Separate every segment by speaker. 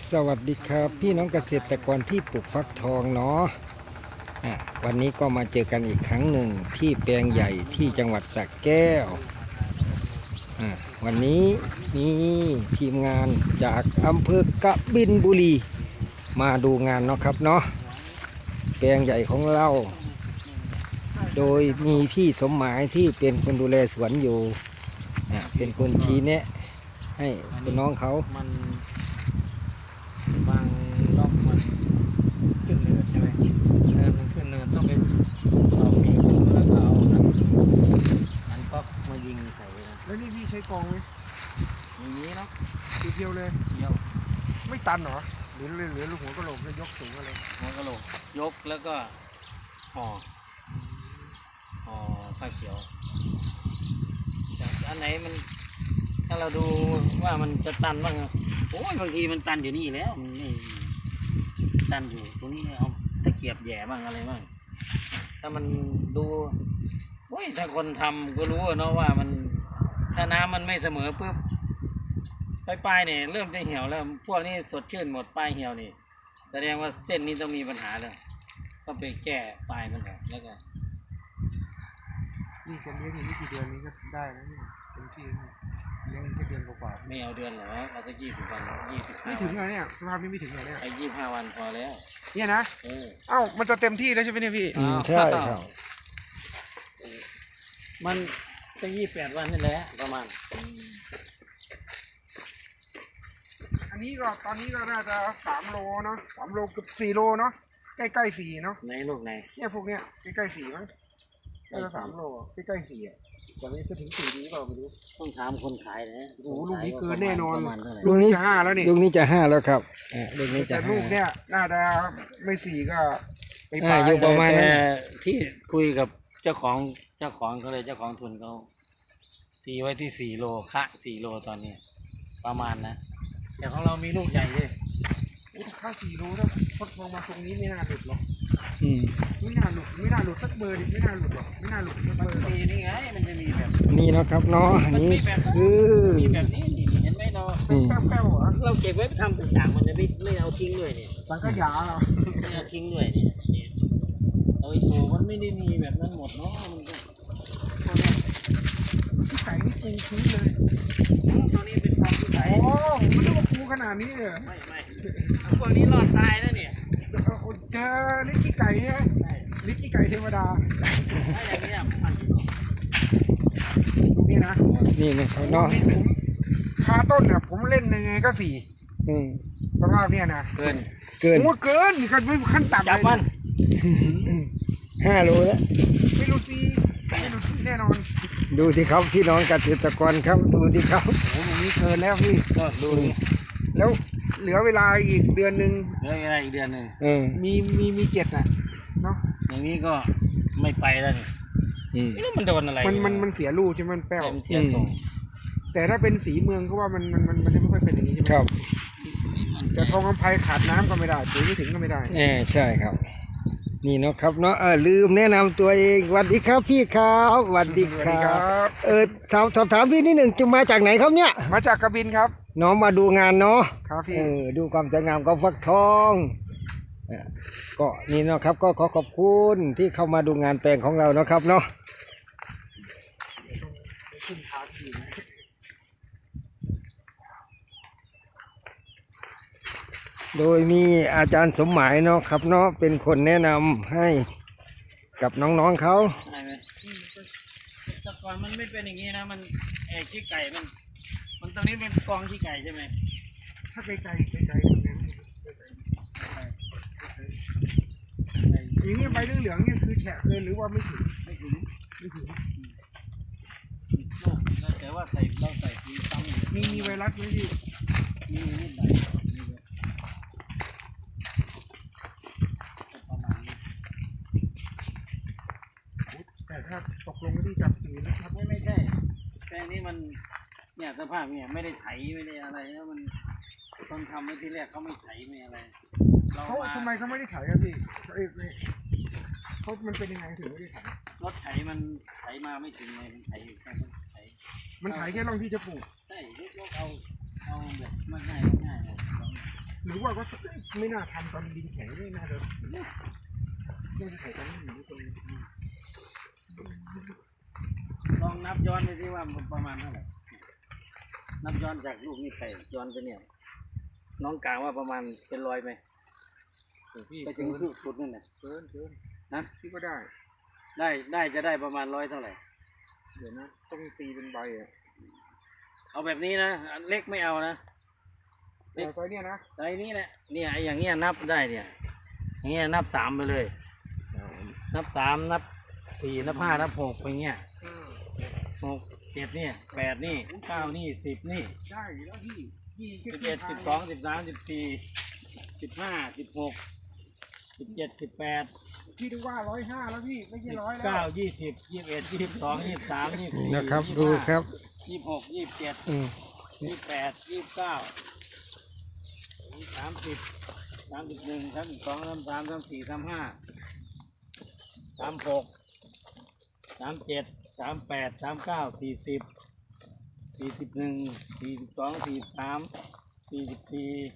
Speaker 1: สวัสดีครับพี่น้องเกษตรกรที่ปลูกฟักทองเนาะวันนี้ก็มาเจอกันอีกครั้งหนึ่งที่แปลงใหญ่ที่จังหวัดสระแก้ววันนี้มีทีมงานจากอำเภอกบินบุรีมาดูงานเนาะครับเนาะแปลงใหญ่ของเราโดยมีพี่สมหมายที่เป็นคนดูแลสวนอยู่เป็นคนชี้แนะให้คุณน้องเขา
Speaker 2: มันบางรอบมันขึ้นเนินใช่ไหมมันขึ้นเนินต้องเป็นเอาปีกแล้วก็เอาอันก๊อกมายิงใส่นะ
Speaker 3: แล้วนี่พี่ใช้กองไหม
Speaker 2: อย่างนี้เนาะ
Speaker 3: ทีเดียวเลย
Speaker 2: เดียว
Speaker 3: ไม่ตันเหรอหรือลูกหัวกระโหลกแล้วยกสูงอะไร
Speaker 2: หัวกะโหลกยกแล้วก็ห่อผ้าเขียวอันไหนมันถ้าเราดูว่ามันจะตันบ้างโอ้ยบางทีมันตันอยู่นี่แล้วมันไม่ตันอยู่ตรงนี้เอาตะเกียบแย่บ้างอะไรบ้างถ้ามันดูโอ้ยถ้าคนทำก็รู้เนาะว่ามันถ้าน้ำมันไม่เสมอปุ๊บปลายเนี่ยเริ่มจะเหี่ยวแล้วพวกนี้สดชื่นหมดปลายเหี่ยวนี่แสดงว่าเส้นนี้ต้องมีปัญหาแล้วก็ไปแก้ปลายมันออกแล้วก็
Speaker 3: นี่จะเลี้ยงอย่างนี้กี่เดือนนี้ก็ได้แล้วนี่เป็นที่เลี้ยงแค่เดือนกว่า
Speaker 2: ไม่เอาเดือนหรอเราก็20 วัน
Speaker 3: ไม่ถึงเลยเนี่ยสภาพนี้ไม่ถึงเลยเนี่ย
Speaker 2: ไอ้25 วันพอแล้ว
Speaker 3: เนี่ยนะเอ้ามันจะเต็มที่แล้วใช่ไหมเนี่ยพี่
Speaker 1: ใช่ครับ
Speaker 2: มันจะ28 วันนี่แหละประมาณ
Speaker 3: อันนี้ก็ตอนนี้ก็น่าจะ3 โลเนาะ3 โลเกือบ4 โลเนาะใกล้ๆ4เนาะ
Speaker 2: ในลูกไหน
Speaker 3: เนี่ยพวกเนี้ยใกล้ๆ4มั้งน่าจะ3 โลใกล้ๆ4แต่ไม่จะถึง4นี้เปล่าไม่รู้
Speaker 2: ต้องถามคนขายนะ
Speaker 3: โอ้ลูกนี้เกินแน่นอน
Speaker 1: ลูกนี้
Speaker 3: จะ5แล้วนี่
Speaker 1: ลูกนี้จะ5แล้วครับลูกนี้จะ
Speaker 3: 5ลูกเนี่ยน่าจะไม่4ก็ไป
Speaker 1: อยู่ประมาณนั้น
Speaker 2: ที่คุยกับเจ้าของเขาเลยเจ้าของทุนเขาตีไว้ที่4 โลค่า4 โลตอนนี้ประมาณนะแต่ของเรามีลูกใหญ่เลย
Speaker 3: ค่า4 โลถ้าพดมาตรงนี้ไม่น่าหลุดหรอกไม่น่าหลุดสักเบอร์ดิไม่น่าหลุดหรอกไม่น่าหลุดสักเบอร์
Speaker 2: นี่ไงมันจะมีแบบ
Speaker 1: นี่นะครับเนาะนี่
Speaker 2: มีแบบนี้เห็นไหมเนาะ
Speaker 3: แป้วเหรอ
Speaker 2: เราเก็บไว้ทำต่างๆมันจะไม่เอาทิ้งด้วยเนี่ย
Speaker 3: สังขยาเหรอ
Speaker 2: ไม่เอาทิ้งด้วยเนี่ยเอาไอ้โถมันไม่ได้มีแบบนั้นหมดเนาะมันก็
Speaker 3: ที่ไก่นี่ปูพื้นเลย
Speaker 2: ตัวนี้เป็นความที่ไก่
Speaker 3: โอ้มันต้องปูขนาดนี้เลย
Speaker 2: ไม่พวกนี้รอดตายแล้วเนี่ย
Speaker 3: เจอลิกกี้ไก่ใช่ไหมลิกกี้ไก่เทวดา
Speaker 2: ถ้าอย่างนี้
Speaker 3: ตรงนี้นะ
Speaker 1: นี่นะเขาเนาะ
Speaker 3: คาต้นเนี่ยผมเล่นยังไงก็4สภาพเนี่ยนะ
Speaker 2: เกิน
Speaker 3: ผมว่าเกินกันไม่ขั้นต่ำ
Speaker 2: จับมัน
Speaker 1: 5 โลแล้ว
Speaker 3: ไม่รู้สิแน่นอน
Speaker 1: ดูที่เขาพี่น้องเกษตรกรครับดูที่เขา
Speaker 3: โอ้โหนี้เกินแล้วพี่
Speaker 2: ดู
Speaker 3: แล้วเหลือเวลาอีกเดือนนึง
Speaker 2: เหลือเวลาอีกเดือนนึง
Speaker 3: มี7น่ะเนาะ
Speaker 2: อย่างนี้ก็ไม่ไปแล้วนี่มันโดนอะไร
Speaker 3: มันเสียลูกใช่ไหมมันแป้วแต่ถ้าเป็นสีเมืองก็ว่ามันจะไม่ค่อยเป็นอย่างนี้ใช่ไหม
Speaker 1: ครับ
Speaker 3: แต่ทองคำไพขาดน้ำก็ไม่ได้ปุ๋ยไม่ถึงก็ไม่ได้
Speaker 1: ใช่ครับนี่เนาะครับเนาะลืมแนะนำตัวเองสวัสดีครับพี่ครับสวัสดีครับสอบถามพี่นิดหนึ่งจะมาจากไหนครับเนี่ย
Speaker 3: มาจากกบินครับ
Speaker 1: น้องมาดูงานเนาะ
Speaker 3: ครับพี่
Speaker 1: ดูความสวยงามของฟักทองก็นี่เนาะครับก็ขอบคุณที่เข้ามาดูงานแปลงของเราเนาะครับเนาะโดยมีอาจารย์สมหมายเนาะครับเนาะเป็นคนแนะนำให้กับน้องๆเขา
Speaker 2: แต่ก่อนมันไม่เป็นอย่างนี้นะมันขี้ไก่มันตรงนี้เป็นกองขี้ไก่ใช่ไหม
Speaker 3: ถ้าไก่อย่างนี้ใบเหลืองเนี่ยคือแฉะเกินหรือว่าไม่ถึง
Speaker 2: แต่ว่าเราใส่สีซ้ำ
Speaker 3: มีไวรัสไหมพี่
Speaker 2: มีนิดหน่อย
Speaker 3: แต่ถ้าตกลงที่จับสีนะครับ
Speaker 2: ไม่ใช่แปลงนี้มันเนี่ยสภาพเนี่ยไม่ได้ไถไม่ได้อะไรแล้วมันคนทำเมื่อที่แรกเขาไม่ไถไม่อะไร
Speaker 3: เขาทำไมเขาไม่ได้ไถครับพี่เขามันเป็นยังไงถึงไม่ได้ไถ
Speaker 2: รถไถมันไถมาไม่ถึงเลยมันไถอยู่แค่
Speaker 3: มันไถแค่ร่องที่จะปลูก
Speaker 2: ใช่ยกเอาแบบง่าย
Speaker 3: หรือว่าก็ไม่น่าทำตอนดินแข็งไม่น่าจะไขตอนนี้อยู่ตรงนี้
Speaker 2: ลองนับย้อนไปสิว่ามันประมาณเท่าไหร่นับย้อนจากลูกนี่ไปย้อนไปเนี่ยน้องกลางว่าประมาณเป็น100ไหม
Speaker 3: พี่
Speaker 2: ไปถึงสุดนั่นน่ะ
Speaker 3: เกิน
Speaker 2: นะ
Speaker 3: พี่ก็ได้
Speaker 2: ได้จะได้ประมาณ100เท่าไหร่
Speaker 3: เดี๋ยวนะต้องตีเป็นใบอ่ะ
Speaker 2: เอาแบบนี้นะเล็กไม่เอานะ
Speaker 3: เอาไซส์เนี่ยนะ
Speaker 2: ไซส์นี้แหละเนี่ยไอ้อย่างเงี้ยนับได้เนี่ยอย่างเงี้ยนับ3ไปเลย นับ3นับ4นับ5นับ6ไปเงี้ย6 7นี่8นี่9นี่10นี่
Speaker 3: ได้แล้วพี่
Speaker 2: 11 12 13 14 15 16 17 18
Speaker 3: พี่ดูว่า105แล้วพี่ไม่ใช่100แล้ว
Speaker 2: 9 20 21 22 23
Speaker 1: นี่
Speaker 2: 24
Speaker 1: นะครับดูครับ
Speaker 2: 26 27
Speaker 1: อืม
Speaker 2: 28 29 30 31 32 33 34 35 36 37 38 39 40 41 42 43 44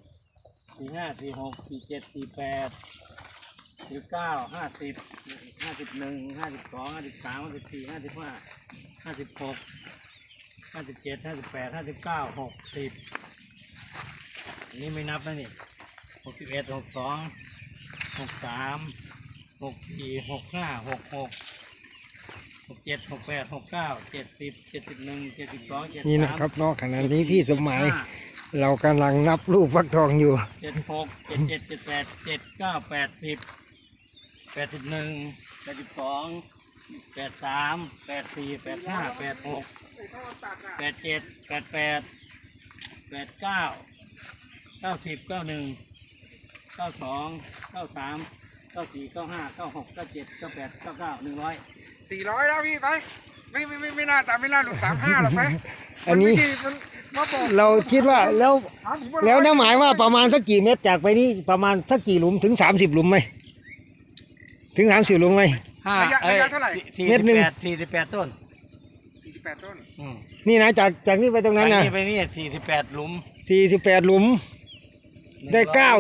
Speaker 2: 45 46 47 48 49 50 51 52 53 54 55 56 57 58 59 60อันนี้ไม่นับนะนี่61 62 63 64 65 66 67 68 69 70 71 72 73
Speaker 1: นี่นะครับเนาะขณะนี้พี่สมัยเรากำลังนับลูกฟักทองอยู่
Speaker 2: 76 77 78 79 80 81 82 83 84 85 86 87 88 89 90 91 92 93 94 95 96 97 98 99 100
Speaker 3: 400แล้วพี่ไปไม่น่าแต่ไม่น่าหลุด35หรอกไป
Speaker 1: อันนี้
Speaker 3: มันมาบอก
Speaker 1: เราคิดว่าแล้ว
Speaker 3: ถามผมว่า
Speaker 1: แล้วน้าหมายว่าประมาณสักกี่เมตรจากไปนี่ประมาณสักกี่หลุมถึง30หลุมไหมถึง30หลุมไหม
Speaker 3: ระยะเท่าไหร่
Speaker 1: เม็ดหนึ่ง
Speaker 2: 48ต้น
Speaker 3: 48ต้น
Speaker 1: นี่นะจากนี่ไปตรงนั้นนะ
Speaker 2: ไปนี่48หลุม
Speaker 1: 48หลุมได้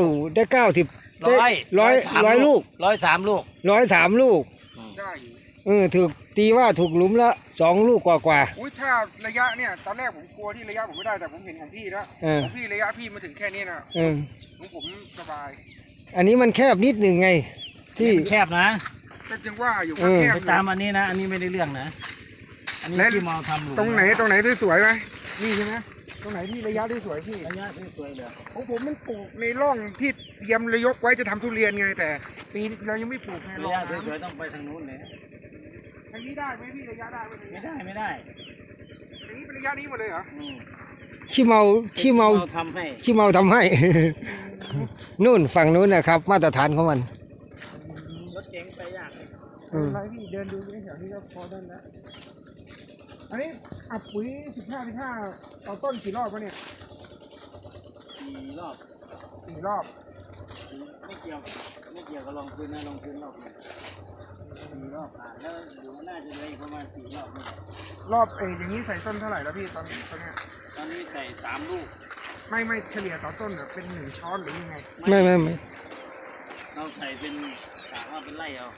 Speaker 1: 90ได้ร้อยลูก
Speaker 2: 103ลูก
Speaker 1: 103ลูก
Speaker 3: ได้อยู่
Speaker 1: ถูกตีว่าถูกหลุมละ2ลูกกว่า
Speaker 3: อุ้ยถ้าระยะเนี่ยตอนแรกผมกลัวที่ระยะผมไม่ได้แต่ผมเห็นของพี่แล้ว
Speaker 1: เออ
Speaker 3: ของพี่ระยะพี่มาถึงแค่นี้นะ
Speaker 1: เออ
Speaker 3: ของผมสบาย
Speaker 1: อันนี้มันแคบนิดหนึ่งไงที่
Speaker 2: แคบนะ
Speaker 3: ก็จึงว่าอยู่
Speaker 1: เออ
Speaker 3: แคบ
Speaker 2: ไป
Speaker 3: อยู่
Speaker 2: ตามอันนี้นะ อันนี้ไม่ได้เรื่องนะ อันนี้ที่เมาทำหลุม
Speaker 3: ตรงไหนสวยๆไหมนี่ใช่ไหมตรงไหนที่ระยะที่สวยพี่
Speaker 2: ระยะสวยๆเลย
Speaker 3: ของผมมันปลูกในร่องที่เตรียมระยกไว้จะทำทุเรียนไงแต่ปีนี้เรายังไม่ปลูกไง
Speaker 2: ระ
Speaker 3: ร่อง
Speaker 2: ยะ
Speaker 3: น้
Speaker 2: สวยๆต้องไปทางนู้นเลย
Speaker 3: ำอันนี้ได้ไหมพี่ระยะได้ไหม
Speaker 2: ไม่ได้
Speaker 3: อันนี้เป็นระยะนี้หมดเลยเหรอ
Speaker 2: อืม
Speaker 1: ขี้เมา
Speaker 2: ทำให้
Speaker 1: ขี้เมาทำให้ นู่นฝั่งนู้นนะครับ มาตรฐานของมัน
Speaker 2: รถเก๋งไปยาก
Speaker 3: ไม่เป็นไรพี่เดินดูแถวนี้ก็พอได้แล้วอันนี้อัดปุ๋ย15ต่อต้นกี่รอบวะเนี่ย
Speaker 2: 4 รอบ
Speaker 3: 4 รอบ
Speaker 2: ไม่เกี่ยวกับลองพื้นนะลองพื้นรอบนึง4 รอบผ่านแล้วเดี๋ยวน่าจะเลยประมาณ4 รอบนี่แหละ
Speaker 3: รอบอย่างนี้ใส่ต้นเท่าไหร่แล้วพี่ตอนเนี้ย
Speaker 2: ตอนนี้ใส่3 ลูก
Speaker 3: ไม่เฉลี่ยต่อต้นอะเป็น1 ช้อนหรือยังไง
Speaker 1: ไม่
Speaker 2: เราใส่เป็นกะว่าเป็นไร่เอา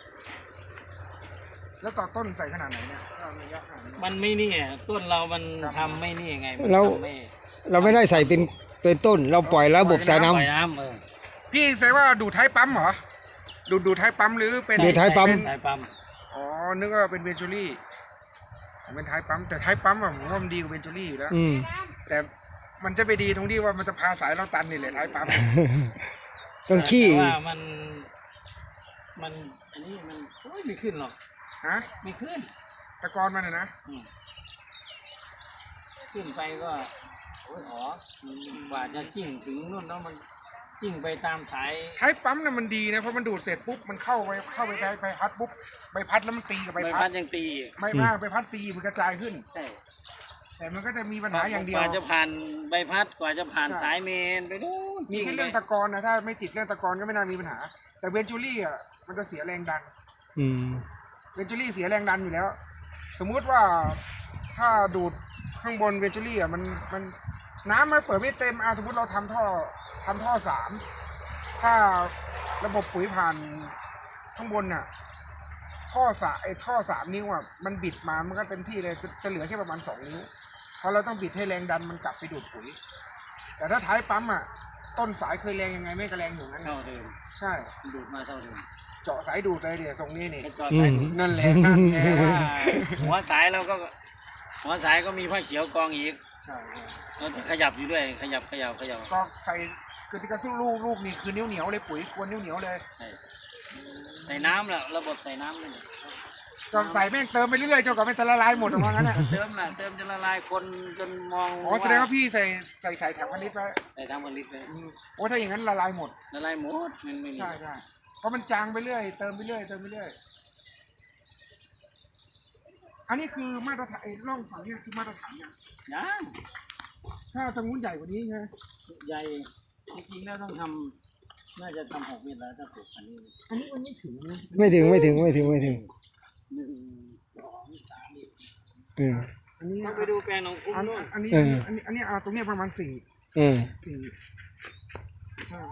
Speaker 3: แล้วต่อต้นใส่ขนาดไหนเนี่ยถ้าระยะขนาดนี้
Speaker 2: มันไม่นี่อ่ะต้นเรามันทำไม่นี่ไงมัน
Speaker 1: เรา
Speaker 2: ทำไม่
Speaker 1: เราไม่ได้ใส่เป็นต้น เราปล่อยระบบสายน้ำ
Speaker 2: ปล่อยน้ำ
Speaker 3: พี่ใส่ว่าดูดท้ายปั๊มเหรอดูดท้ายปั๊มหรือเป็น
Speaker 1: ดูดท้ายปั๊ม
Speaker 2: สายปั๊ม
Speaker 3: อ๋อนึกว่าเป็นเวนจูรี่เป็นท้ายปั๊มแต่ท้ายปั๊มอะผมว่ามันดีกว่าเวนจูรี่อยู่แล้ว
Speaker 1: อืม
Speaker 3: แต่มันจะไปดีตรงที่ว่ามันจะพาสายเราตันนี่แหละท้ายปั๊ม
Speaker 1: ต้องขี้
Speaker 2: แต่ว่ามันอันนี้มันโอ้ยไม่ขึ้นหรอก
Speaker 3: ฮะ
Speaker 2: ไม่ขึ้น
Speaker 3: ตะกอนมันนะ
Speaker 2: อืมขึ้นไปก็โอ้ยหอกว่าจะกิ้งถึงนู่นแล้วมันกิ้งไปตามสาย
Speaker 3: ท้ายปั๊มน่ะมันดีนะเพราะมันดูดเสร็จปุ๊บมันเข้าไปใบพัดปุ๊บใบพัดแล้วมันตีกับ
Speaker 2: ใบ
Speaker 3: ใบ
Speaker 2: พั
Speaker 3: พั
Speaker 2: ด
Speaker 3: ด
Speaker 2: ยังตีอีก
Speaker 3: ไม่มากใบพัดตีมันกระจายขึ้น
Speaker 2: ใช่
Speaker 3: แต่มันก็จะมีปัญหาอย่างเดียว
Speaker 2: กว่าจะผ่านใบพัดกว่าจะผ่าน
Speaker 3: ใช่
Speaker 2: สายเมนไปดูน
Speaker 3: มีแค่เรื่องตะกอนนะถ้าไม่ติดเรื่องตะกอนก็ไม่น่ามีปัญหา แต่เวนจูรี่อ่ะมันจะเสียแรงดัน
Speaker 1: อืม
Speaker 3: เวนจูรี่เสียแรงดันอยู่แล้ว สมมุติว่าถ้าดูดข้างบนเวนจูรี่อ่ะมันน้ำมันเปิดไม่เต็มสมมติเราทำท่อสามถ้าระบบปุ๋ยผ่านข้างบนน่ะท่อสามนิ้วมันบิดมามันก็เต็มที่เลยจะเหลือแค่ประมาณ2 นิ้วเพราะเราต้องบิดให้แรงดันมันกลับไปดูดปุ๋ยแต่ถ้าท้ายปั๊มต้นสายเคยแรงยังไงไม่ก็แรงอยู่งั้น
Speaker 2: เท่าเดิม
Speaker 3: ใช่
Speaker 2: ดูดมาเท่าเดิม
Speaker 3: เจาะสายดูดเลยเดี๋ยวทรงนี้นี่
Speaker 2: ไปจอดสายดูด
Speaker 3: นั่นแหละนั่นแหละ
Speaker 2: ว่าหัวสายเราก็หัวสายก็มีผ้าเขียวกองอีก
Speaker 3: ใช่
Speaker 2: เราจะขยับอยู่ด้วยขยับ
Speaker 3: ก็ใส่คือที่กระสู้ลูกนี่คือเหนียวเลยปุ๋ยกวนเหนียวเลย
Speaker 2: ใช่ใส่น้ำแหละระบบใส่น้ำเลย
Speaker 3: ก็ใส่แม่งเติมไปเรื่อยๆจนกว่ามันจะละลายหมดออกมางั้นน่ะ
Speaker 2: เติมจะละลายคนจนมอง
Speaker 3: แสดงว่าพี่ใส่แถวพันลิตรไว้
Speaker 2: ใส่ทั้งผลิตเลย
Speaker 3: ถ้าอย่างนั้นละลายหมด
Speaker 2: ละลายหมดมันไม่มี
Speaker 3: ใช่เพราะมันจางไปเรื่อยเติมไปเรื่อยอันนี้คือมาตรฐานร่องฝั่งนี้คือมาตรฐานเนี่ย
Speaker 2: ยัง
Speaker 3: ถ้าทางนู้นใหญ่กว่านี้ไง
Speaker 2: ใหญ่จริงๆแล้วต้องทำน่าจะทำ6 เมตรแล้วถ้าปลูกอันนี้
Speaker 3: อันนี้มันไม่ถึงนะ
Speaker 1: ไม่ถึง
Speaker 2: 1 2 3
Speaker 3: อันนี้
Speaker 2: ต้องไปดูแปลงของคุ้มด้วย
Speaker 3: อันนี้ตรงนี้ประมาณ4 ใช่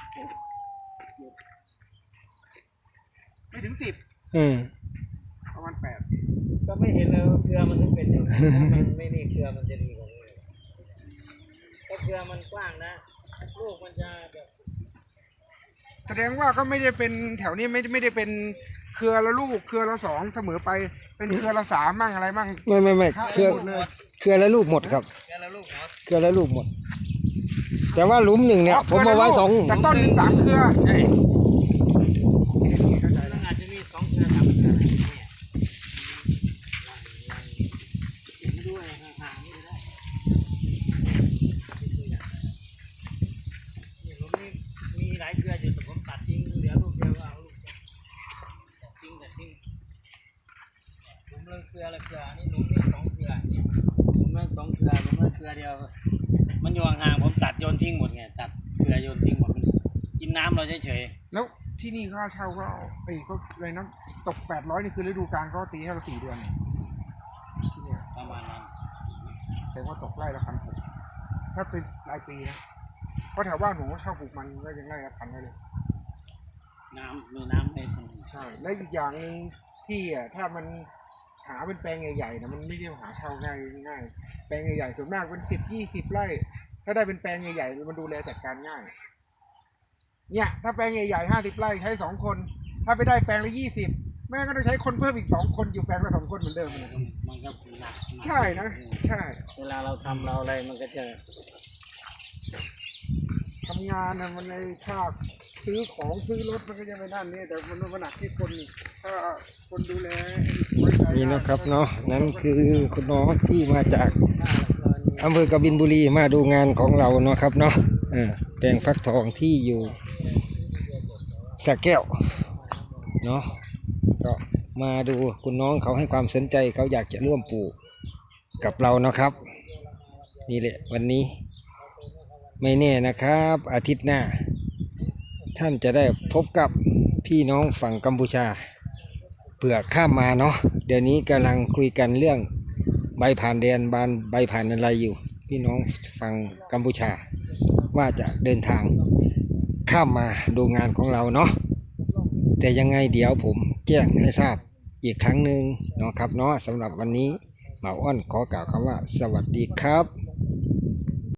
Speaker 3: ไม่ถึง10ประมาณ8
Speaker 2: ก็ไม่เห็นเลยว่าเครือมันถึงเป็นอย่างนี้มันไม่นี่เครือมันจะดีกว่านี้ถ้าเครือมันกว้างนะลูกมันจะแบบ
Speaker 3: แสดงว่าก็ไม่ได้เป็นแถวนี้ไม่ได้เป็นเครือละลูกเครือละ2เสมอไปเป็นเครือละ3มั่งอะไรมั่ง
Speaker 1: ไม่เครือละลูกหมดครับ
Speaker 2: แค่ละลูกเนาะ
Speaker 1: เครือละลูกหมด แต่ว่าหลุมหนึ่งเนี่ยผมเอาไว้2
Speaker 3: แต่ต้นหนึ่ง3 เครือ
Speaker 2: ใช่มันอาจจะมี2 เครือ3 เครืออะไรเนี่ยเห็นด้วยห่างๆนี่ก็ได้นี่ผมนี่มีหลายเครืออยู่แต่ผมตัดทิ้งเหลือลูกเดียวก็เอาลูกเดียวตัดทิ้งผมเลยเครือละเครือนี่หลุมนี่2 เครือเนี่ยผมไม่2 เครือผมไม่เครือเดียวมันอยู่ห่างๆผมตัดโยนทิ้งหมดไงตัดเครือโยนทิ้งหมดมันกินน้ำเราเฉย
Speaker 3: แล้วที่นี่ค่าเช่าก็ก็เลยนะตก800นี่คือฤดูกาลก็ตีให้เรา4 เดือนที่เนี่ย
Speaker 2: ๆประมาณนั้น
Speaker 3: แสดงว่าตกไร่ละ1,600ถ้าเป็นรายปีนะเพราะแถวบ้านผมก็เช่าปลูกมันก็ยังไร่ละ1,000เลย
Speaker 2: มีน้ำในสมุน
Speaker 3: ใช่และอีกอย่างหนึ่งที่ถ้ามันหาเป็นแปลงใหญ่ๆนะมันไม่ใช่หาเช่าง่ายแปลงใหญ่ๆส่วนมากเป็น10-20 ไร่ถ้าได้เป็นแปลงใหญ่ๆมันดูแลจัดการง่ายเนี่ยถ้าแปลงใหญ่ๆ50 ไร่ใช้2 คนถ้าไปได้แปลงละ20แม่ก็ต้องใช้คนเพิ่มอีก2 คนอยู่แปลงละ2 คนเหมือนเดิมนะ
Speaker 2: มันก็หนัก
Speaker 3: ใช่นะใช่
Speaker 2: เวลาเราทำเราอะไรมันก็จะ
Speaker 3: ทำงานนะมันในค่าซื้อของซื้อรถมันก็จะไปนั่นนี่แต่มันหนักที่คนนี่ถ้าคนดูแลไว้ใจ
Speaker 1: นี่นะครับเนาะนั่นคือคุณน้องที่มาจากอำเภอกบินบุรีมาดูงานของเราเนาะครับเนาะแปลงฟักทองที่อยู่สระแก้วเนาะก็มาดูคุณน้องเขาให้ความสนใจเขาอยากจะร่วมปลูกกับเราเนาะครับ นี่แหละวันนี้ไม่แน่นะครับอาทิตย์หน้า ท่านจะได้พบกับพี่น้องฝั่งกัมพูชาเผื่อข้ามมาเนาะเดี๋ยวนี้กำลังคุยกันเรื่องใบผ่านแดนใบผ่านอะไรอยู่ พี่น้องฝั่งกัมพูชาว่าจะเดินทางข้ามมาดูงานของเราเนาะแต่ยังไงเดี๋ยวผมแจ้งให้ทราบอีกครั้งหนึ่งเนาะครับเนาะสำหรับวันนี้หมาอ้อนขอกล่าวคำว่าสวัสดีครับ